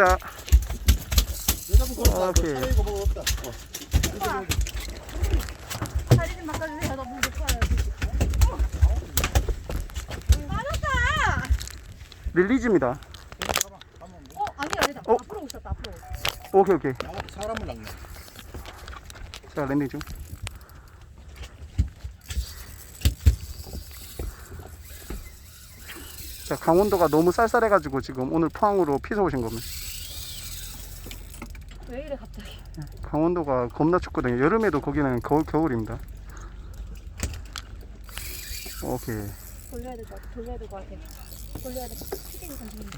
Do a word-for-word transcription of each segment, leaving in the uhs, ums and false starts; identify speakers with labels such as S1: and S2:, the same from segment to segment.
S1: 자, 오케이.
S2: 오빠 다리 좀 바꿔주세요. 나 물 못 가요. 맞았다.
S1: 릴리즈입니다.
S2: 어 아니다 아니다.
S1: 어?
S2: 앞으로 오셨다 앞으로.
S1: 오케이, 오케이.
S3: 사람을 낚네.
S1: 자, 랜딩 중. 자, 강원도가 너무 쌀쌀해가지고 지금 오늘 포항으로 피서 오신 겁니다.
S2: 왜 이래 갑자기?
S1: 강원도가 겁나 춥거든요. 여름에도 거기는 겨울, 겨울입니다. 오케이.
S2: 돌려야 될 것 같아. 돌려야 될 것 같아. 돌려야 될 것 같아. 시계가 잠시만요.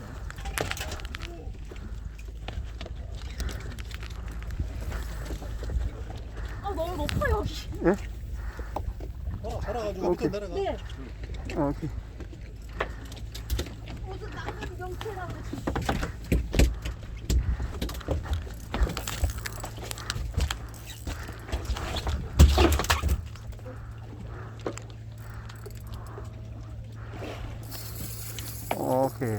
S2: 아 너무 높아 여기.
S1: 예?
S3: 어, 살아가지고
S1: 오케이.
S3: 밑에 내려가.
S2: 네.
S1: 오케이.
S2: 무슨 나쁜 명태라고.
S1: 오케이.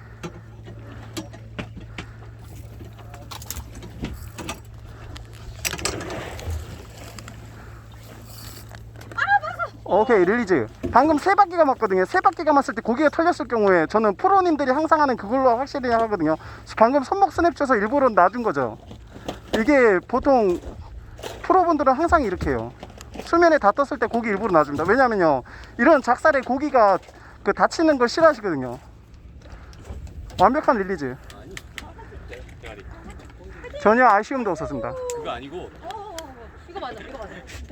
S1: 오케이, 릴리즈. 방금 세 바퀴 감았거든요. 세 바퀴 감았을 때 고기가 털렸을 경우에 저는 프로님들이 항상 하는 그걸로 확실히 하거든요. 방금 손목 스냅 쳐서 일부러 놔준 거죠. 이게 보통 프로분들은 항상 이렇게 해요. 수면에 다 떴을 때 고기 일부러 놔줍니다. 왜냐면요, 이런 작살에 고기가 그 다치는 걸 싫어하시거든요. 완벽한 릴리즈. 전혀 아쉬움도 없었습니다.
S4: 그거 아니고
S2: 어, 어, 어, 어. 이거 맞아 이거 맞아.